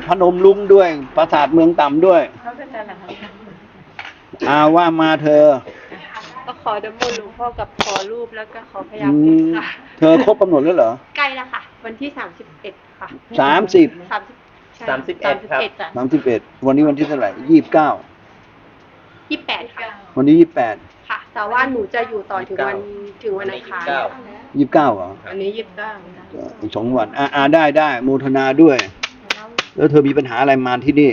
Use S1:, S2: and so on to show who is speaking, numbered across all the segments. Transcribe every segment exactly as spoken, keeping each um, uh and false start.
S1: พนมรุ้งด้วยปราสาทเมืองต่ำด้วยอาว่ามาเธอ
S2: ก็ขอน้ำมนต์หลวงพ่อกับขอรูปแล้วก็ขอพยา
S1: อื
S2: คุณ
S1: ม
S2: ค่ะ
S1: เธอครบกำหนดแล้วเหรอ
S2: ใกล้แล้วค่ะ วันที่สามสิบเอ็ดค่ะ
S1: สามสิบ
S2: สามสิบ
S3: สามสิบเอ็ดครับ
S2: จ้ะ
S1: สามสิบเอ็ดวันนี้วันที่เท่าไหร่ยี่สิบเก้า
S2: ยี่สิบแปดค่ะ
S1: วันนี้ยี่สิบแปด
S2: ค่ะ แต่ว่าหนูจะอยู่ต่อถึงวันถึงวันอังคาร
S1: ยี่สิบเก้าเหรอ
S2: อันนี้ยี่สิบเก้า
S1: อีกสองวันอ่าอ่าได้ได้โมทนาด้วย แล้วเธอมีปัญหาอะไรมาที่นี่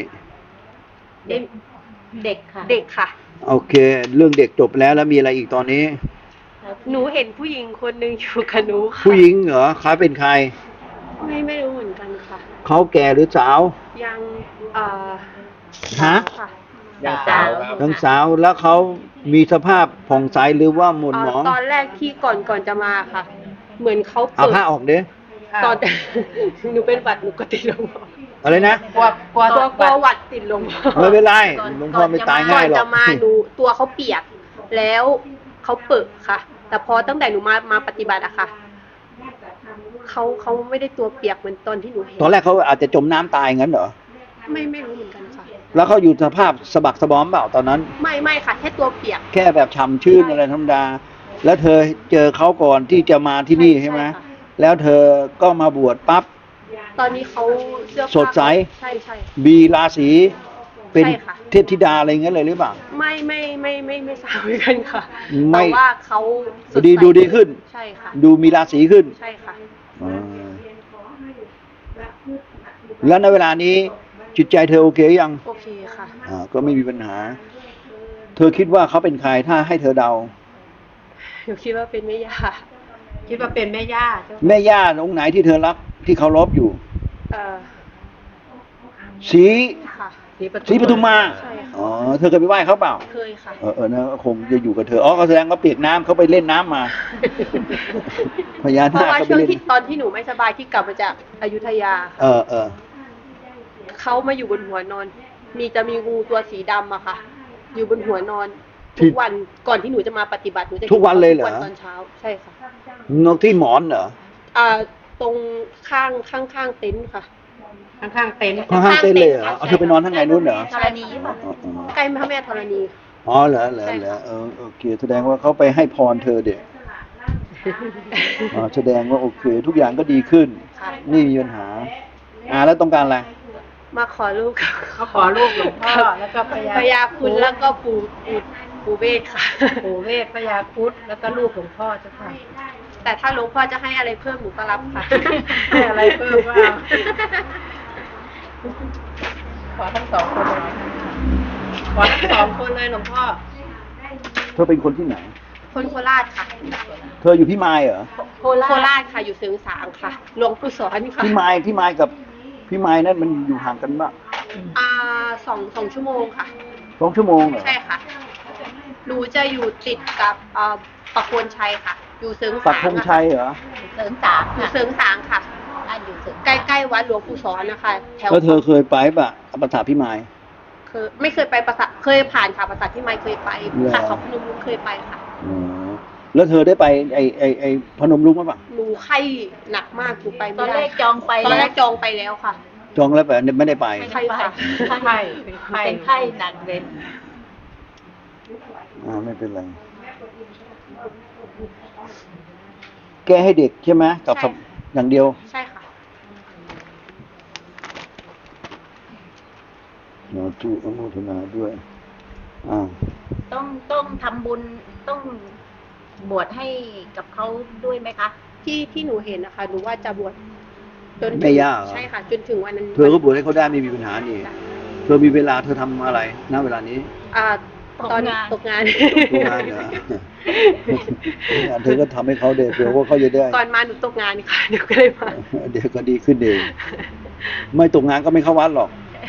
S2: เด็กค่ะ เด็กค่ะ
S1: โอเค เรื่องเด็กจบแล้วแล้วมีอะไรอีกตอนนี้
S2: หนูเห็นผู้หญิงคนหนึ่งอยู่กับหนูค่ะ
S1: ผู้หญิงเหรอเขาเป็นใคร
S2: ไม่ไม่รู้เหมือนกันค่ะ
S1: เขาแก่หรือสาว
S2: ยังเอ่อ
S1: ฮะ
S2: ค่ะ
S3: ยังสาวครับ
S1: ทั้งสาวแล้วเขามีสภาพผ่องใสหรือว่าหม่นหมอง
S2: เตอนแรกที่ก่อนก่อนจะมาค่ะ เหมือนเขา
S1: เอา
S2: เปิด
S1: ผ้าออกเด้
S2: ตอน หนูเป็นหวัดหนูก็ติดลม
S1: อะไรนะ
S2: กลัวกลัวตัวกลัวหวัดติดลม
S1: ไม่เป็นไรหลวงพ่อไม่ตาย
S2: ก่
S1: ง่า
S2: อย น
S1: หรอ
S2: จะ
S1: ก
S2: มาหนูตัวเขาเปียก แล้วเขาเปิดค่ะ แต่พอตั้งแต่หนูมามาปฏิบัติอะค่ะเขาเขาไม่ได้ตัวเปียกเหมือนตอนที่หนูเห็น
S1: ตอนแรกเขาอาจจะจมน้ำตายงั้นเหรอ
S2: ไม่ไม่รู้เหมือนกันค่ะ
S1: แล้วเขาอยู่สภาพสะบักสะบอมเปล่าตอนนั้น
S2: ไม่ไม่ค่ะ แค่ตัวเปียก
S1: แค่แบบฉ่ำชื่นอะไรธรรมดา แล้วเธอเจอเขาก่อนที่จะมาที่นี่ใช่ไหม
S2: ใช่ค่ะ
S1: แล้วเธอก็มาบวชปั๊บ
S2: ตอนนี้เขาเสื้อผ้า
S1: สดใส
S2: ใช่ใช่
S1: บีราศีเป็น
S2: ใช่ค่ะ
S1: เทพธิดาอะไรงั้นเลยหรือเปล่า
S2: ไม่ไม่ไม่ไม่ไม่ทราบเหมือนกันค่ะ
S1: ไม่
S2: แต่ว่าเขาส
S1: ดี
S2: ใส
S1: ดูดีขึ้น
S2: ใช่ค่ะ
S1: ดูมีราศีขึ้น
S2: ใช่ค่ะ
S1: อ่าแล้วในเวลานี้จิตใจเธอโอเคยัง
S2: โอเคค่ะ
S1: อ่าก็ไม่มีปัญหา เธอคิดว่าเขาเป็นใครถ้าให้เธอเดา
S2: หนูคิดว่าเป็นแม่ย่าคิดว่าเป็นแม่ย่าเจ้า
S1: แม่ย่าองค์ไหนที่เธอรักที่เคารพอยู่
S2: เออ
S1: สี
S2: ค่ะ
S1: สีปทุมมา
S2: ใช่ค่ะ
S1: อ๋อเธอเคยไปไหว้เขาเปล่า
S2: เคยค่ะ
S1: เออเออนะคงจะอยู่กับเธออ๋อเขาแสดงว่าเปียกน้ำเขาไปเล่นน้ำมา พญา
S2: เพ
S1: นา
S2: ราะ
S1: ค
S2: ว่า
S1: เขาไป
S2: ช่วง
S1: เล่น
S2: ที่ตอนที่หนูไม่สบายที่กลับมาจากอยุธยา
S1: เออเออ
S2: เขามาอยู่บนหัวนอน มีจะมีงูตัวสีดำอะค่ะ อยู่บนหัวนอน ทุกวันก่อนที่หนูจะมาปฏิบัติหนูจะ
S1: ทุกวันเลยเหรอ
S2: ทุกวันตอนเช้าใช่ค่ะ
S1: นกที่หมอนเหรอ
S2: อ่าตรงข้างข้างข้างเต็นท์ค่ะ
S4: ข้างๆเต็นท์
S1: ข้างๆเต้นเลยเหรอเอาเธอไปนอนข้างในนู้นเหรอ
S2: ธรณีป่ะ
S1: อ๋ออ๋อ
S2: ใกล้พระแม่ธรณี
S1: อ๋อเหรอเหรอเหรอเออโอเค แสดงว่าเขาไปให้พรเธอเด็กอ๋อแสดงว่าโอเค ทุกอย่างก็ดีขึ้น
S2: ค่ะ
S1: นี่มีปัญหา อ่าแล้วต้องการอะไร
S2: มาขอลูก
S4: เขาขอรูปหลวงพ่อแล้วก็พญา
S2: พญาคุณแล้วก็ปู่ปู่ปู่เวทค่ะ
S4: ปู่เวทพญาครุฑแล้วก็รูปหลวงพ่อเจ้าค่ะ
S2: แต่ถ้าหลวงพ่อจะให้อะไรเพิ่มหนูก็รับค่ะ
S4: ให้อะไรเพิ่มว่า ขอทั้งสองคนเลยขอทั้งสองคนเลยหลวงพ่อ
S1: เธอเป็นคนที่ไหน
S2: คนโคราชค่ะ
S1: เธออยู่พี่มายเหรอ
S2: โคราชโคราชค่ะอยู่เสริงสางค่ะหลวงปู่สอนค่ะ
S1: พี่มายพี่มายกับพี่มายนั่นมันอยู่ห่างกันบ้าง
S2: อ่าสองสองชั่วโมงค่ะ
S1: สองชั่วโมงเหรอ
S2: ใช่ค่ะหนูจะอยู่ติดกับเอ่อปักโคนชัยค่ะ อยู่เสริง
S1: ปั
S2: สาก ง
S1: ธงชัยเหรอ
S4: เสริมสาม
S2: อยู่เสริงสางค่ะ
S4: อันอยู่เสริม
S2: ใกล้ๆวัดหลวงปู่สอนนะคะแถว
S1: แล้วเธอเคยไปป่ะปราสาทพี่มาย
S2: เคยไม่เคยไปปราสาทเคยผ่านค่ะปราสาทที่ไม่เคยไป
S1: เหรอ
S2: ค่ะเขาพนมรุ้งเคยไปค่ะ
S1: อ๋อแล้วเธอได้ไปไอไอไอพนมรุ้งมั้ยป่ะ
S2: หนูไข้หนักมากหนูไป
S4: ต
S2: ไม่
S4: อน
S2: ได้
S4: แรกจองไป
S2: ตอนแรกจองไปแล้วค่ะ
S1: จองแล้วแต่ไม่ได้ไป
S2: ไข้ค่ะ
S4: ไข้เป็นไข้เป็นไข้หนักเลย
S1: อ่าไม่เป็นไร แก้ให้เด็กใช่ไหมกับ
S2: ใช่
S1: อย่างเดียว
S2: ใช่ค่ะ
S1: เนาจุอนุโมทนาด้วย อ่า
S5: ต้องต้องทำบุญต้องบวชให้กับเขาด้วยไหมคะ
S2: ที่ที่หนูเห็นนะคะหนูว่าจะบวชจนถึง
S1: ไม่ยากเหรอ
S2: ใช่ค่ะ จนถึงวันนั้น
S1: เธอก็บวชให้เขาได้ไม่มีปัญหานี่ เธอมีเวลาเธอทำอะไรณเวลานี้
S2: อ่าตอนตกงาน
S1: ทุกงานเหรอ เธอก็ทำให้เขาเด็กเผื่อว่าเขาจะได้
S2: ก่อนมาหนูตกงานค่ะเดี๋ยวก็เลยมา
S1: เดี๋ยวก็ดีขึ้นเอง ไม่ตกงานก็ไม่เข้าวัดหรอก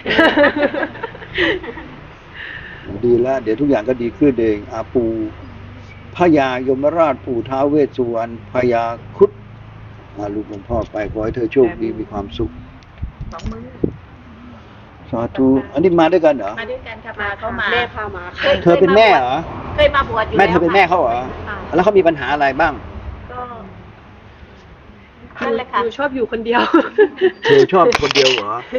S1: ดีแล้วเดี๋ยวทุกอย่างก็ดีขึ้นเองอาปูพญายมราชปู่ท้าวเวสสุวรรณพญาครุฑอาลูกหลวงพ่อไปขอให้เธอโชคดีมีความสุข
S5: สองมือ
S1: สาธุอันนี้มาด้วยกันเหรอ
S5: มาด้วยกันค่ะมาเขามา
S2: แม่พามาค่ะ
S1: เธอเป็นแม่เหรอ
S5: เคยมาบวชอยู่
S1: แม่เธอเป็นแม่เขาเหรอ
S5: ค่ะ
S1: แล้วเขามีปัญหาอะไรบ้าง
S5: ก็นั่นแหละค่ะ
S2: หนูชอบอยู่คนเดียว
S1: เธอชอบคนเดียวเหรอ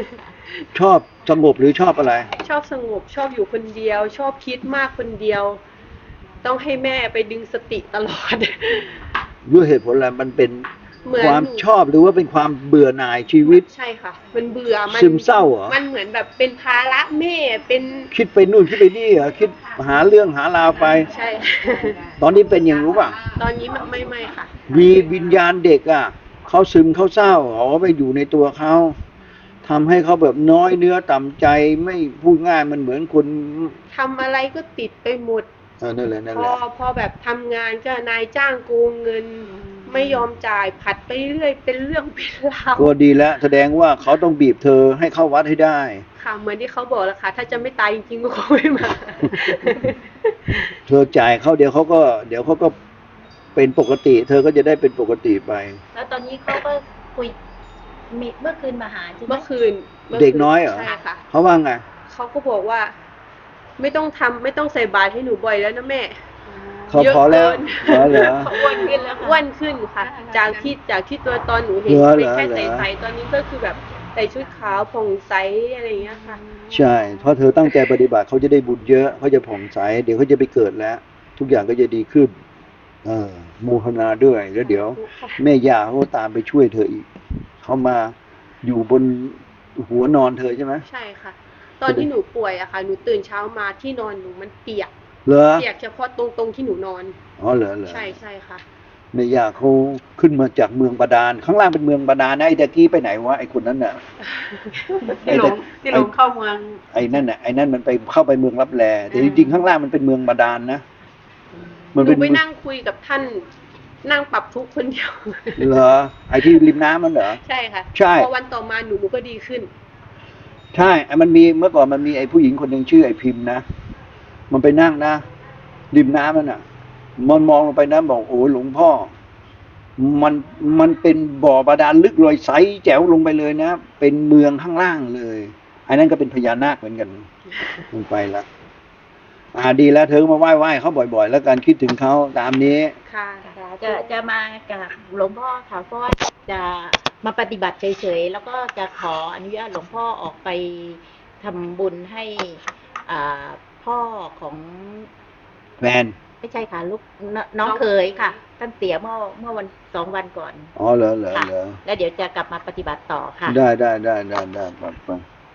S1: ชอบสงบหรือชอบอะไร
S2: ชอบสงบชอบอยู่คนเดียว ชอบคิดมากคนเดียว ต้องให้แม่ไปดึงสติตลอด
S1: ด้วยเหตุผลอะไรมันเป็น
S2: เหมือน
S1: ความ
S2: หนู
S1: ชอบหรือว่าเป็นความเบื่อหน่ายชีวิต
S2: ใช่ค่ะ มันเบื่อมัน
S1: ซึมเศร้าเหรอ
S2: มันเหมือนแบบเป็นภาระแม่เป็น
S1: คิดไปนู่นคิดไปนี่เหรอคิดหาเรื่องหาราวไป
S2: ใช่
S1: ตอนนี้เป็นอย่างรู้ป่ะ
S2: ตอนนี้ไม่ไม่ค่ะ
S1: มีวิญญาณเด็กอ่ะเขาซึมเขาเศร้าเขาไปอยู่ในตัวเขาทำให้เขาแบบน้อยเนื้อต่ำใจไม่พูดง่ายมันเหมือนคน
S2: ทำอะไรก็ติดไปหมด
S1: เออนั่นแหละนั่น
S2: พ
S1: แห
S2: อ
S1: ละ
S2: พอแบบทำงานก็นายจ้างโกงเงิน ไม่ยอมจ่ายผัดไปเรื่อยเป็นเรื่องเป็นราว
S1: ก็ดีแล้วแสดงว่าเขาต้องบีบเธอให้เข้าวัดให้ได้
S2: ค่ะ เหมือนที่เขาบอกแล้วค่ะ ถ้าจะไม่ตายจริงๆก็คงไม่มา
S1: เธอจ่ายเขาเดี๋ยวเขาก็ เดี๋ยวเขาก็เป็นปกติ เธอก็จะได้เป็นปกติไป
S5: แล้วตอนนี้เขาก็คุยมีเมื่อคืนมาหาใช่ไหม
S2: เมื่อคืนมื่
S1: เด็กน้อยเหรอ
S2: ใช่ค่ะ
S1: เขาว่าไง
S2: เขาก็บอกว่า ไม่ต้องทำไม่ต้องใส่บาตรให้หนูบ่อยแล้วนะแม่
S1: เขา
S2: เยอะ
S1: พอแล้ว
S2: เกิน
S1: พอเหรอ
S5: เขาอ้วนขึ้นแล้วค่ะ
S2: อ้วนขึ้นค่ะ จากที่จากที่ตัวตอนหนูเห็น
S1: เหรอ
S2: เป็นแค่
S1: เหรอ
S2: ใสๆตอนนี้ก็คือแบบใส่ชุดขาวผ่องใสอะไรอย่างเงี้ยค่ะ
S1: ใช่ เพราะเธอตั้งใจปฏิบัติเขาจะได้บุญเยอะเขาจะผ่องใส เดี๋ยวเขาจะไปเกิดแล้ว ทุกอย่างก็จะดีขึ้น เออโมทนาด้วย แล้วเดี๋ยว แม่ย่าเขาก็ตามไปช่วยเธออีก เขามาอยู่บนหัวนอนเธอใช่ไหม
S2: ใช่ค่ะ ตอนที่หนูป่วยอะค่ะ หนูตื่นเช้ามาที่นอนหนูมันเปียก
S1: เหรอ
S2: เปียกเฉพาะตรงตรงที่หนูนอน
S1: อ๋อเหรอเหรอ
S2: ใช่ใช่ค่ะ
S1: แม่ย่าเขาขึ้นมาจากเมืองบาดาล ข้างล่างเป็นเมืองบาดาลนะไอ้ตะกี้ไปไหนวะไอ้คนนั้นน่ะ
S4: ที่หลงที่หลงเข้าเมือง
S1: ไอ้นั่นน่ะไอ้นั่นมันไปเข้าไปเมืองลับแลแต่จริงๆข้างล่างมันเป็นเมืองบาดาลนะ
S2: ห
S1: มัน
S2: นู
S1: เป็น
S2: ไปนั่งคุยกับท่าน นั่งปรับทุกข์คนเดียว
S1: เหรอไอ้ที่ริมน้ำมันเหรอ
S2: ใช่ค่ะ
S1: ใช่
S2: พอวันต่อมาหนูหนูก็ดีขึ้น
S1: ใช่ไอ้มันมีเมื่อก่อนมันมีไอ้ผู้หญิงคนหนึ่งชื่อไอ้พิมพ์นะ มันไปนั่งนะริมน้ำนั่นน่ะ มันมองลงไปนะบอกโอ้หลวงพ่อ มันมันเป็นบ่อบาดาลลึกลอยใสแจ๋วลงไปเลยนะ เป็นเมืองข้างล่างเลยไอ้นั่นก็เป็นพญานาคเหมือนกันลงไปละอ่าดีแล้วเธอก็มาไหว้ไหว้เขาบ่อยๆ แล้วการคิดถึงเขาตามนี้
S2: ค่ะ
S5: จะจะมากับหลวงพ่อค่ะเพราะว่าจะมาปฏิบัติเฉยๆแล้วก็จะขออนุญาตหลวงพ่อออกไปทำบุญให้อ่าพ่อของ
S1: แฟน
S5: ไม่ใช่ค่ะลูกนน้องเคยค่ะท่านเสียเมื่อเมื่อวันสองวันก่อน
S1: อ๋อเหรอเหรอ
S5: ค่ะ
S1: เหรอ
S5: แล้วเดี๋ยวจะกลับมาปฏิบัติต่อค่ะ
S1: ได้ได้ได้ได้ได้ปัดไป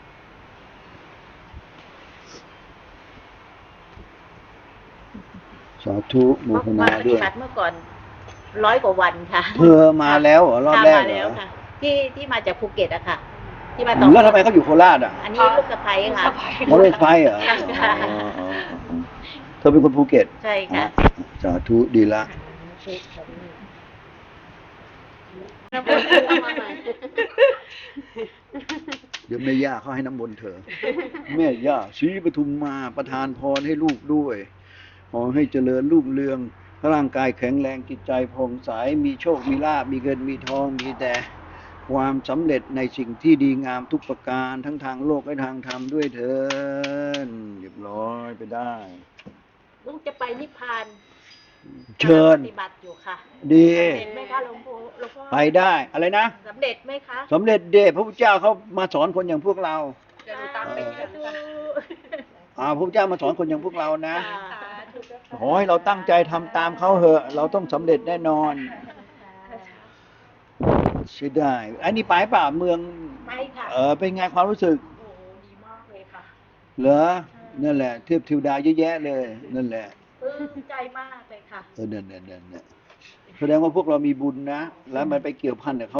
S1: สาธุโม
S5: มา
S1: ท
S5: มา
S1: นา
S5: ป
S1: ด้
S5: ฏิ
S1: วย
S5: บัติเมื่อก่อนร้อยกว่าวันค่ะ
S1: เธอมาแล้วเหรอรอบแรก
S5: มา
S1: เหร
S5: แล้ว
S1: อ
S5: ค่ะ ที่ที่มาจากภูเก็ตอะค่ะ ที่มาต่อ
S1: แล้วทำไมเขาอยู่โคราชอ่ะ
S5: อันนี้ลูกสะใภ้ค่ะ
S1: มอเตอร์ไซค์เหรอ
S5: ค่ะ
S1: อ๋ออ๋ออ๋อเธอเป็นคนภูเก็ต
S5: ใช่ค่ะ
S1: สาธุดีละ เดี๋ยวแม่ย่าเขาให้น้ำมนต์เธอ แม่ย่าศรีปทุมมาประทานพรให้ลูกด้วย ขอให้เจริญรุ่งเรือง ร่างกายแข็งแรงจิตใจผ่องใส มีโชค มีลาภ มีเงิน มีทอง มีแต่ความสำเร็จในสิ่งที่ดีงามทุกประการ ทั้งทางโลกและทางธรรมด้วยเถิดเรียบร้อยไปได้
S5: ลูกจะไปนิพพาน
S1: เชิญ
S5: ปฏิบัติอยู่ค่ะ
S1: ดี
S5: สำเร็จไหมคะหลวงพ่อหลวงพ่อ
S1: ไปได้ อะไรนะ
S5: สำเร็จไหมคะ
S1: สำเร็จเดชพระพุทธเจ้าเขามาสอนคนอย่างพวกเรา
S2: เดี๋ยวหนูตามไปเยี่ยมค่ะ
S1: อ่าพระพุทธเจ้ามาสอนคนอย่างพวกเรานะ
S5: ค่ะ
S1: ขอให้เราตั้งใจทำตามเขาเหอะ เราต้องสำเร็จแน่นอนใช่ได้ อันนี้ไปเปล่าเมือง
S5: ไปค่ะ
S1: เออเป็นไงความรู้สึก
S5: โอ้โหดีมากเลยค่ะ
S1: เหรอ นั่นแหละ เทพเทิวดาเยอะแยะเลย นั่นแหละ
S5: ปลื้มใจมากเลยค่ะ
S1: เออนั่นนั่นนั่นแสดงว่าพวกเรามีบุญนะ แล้วมันไปเกี่ยวพันกับเขา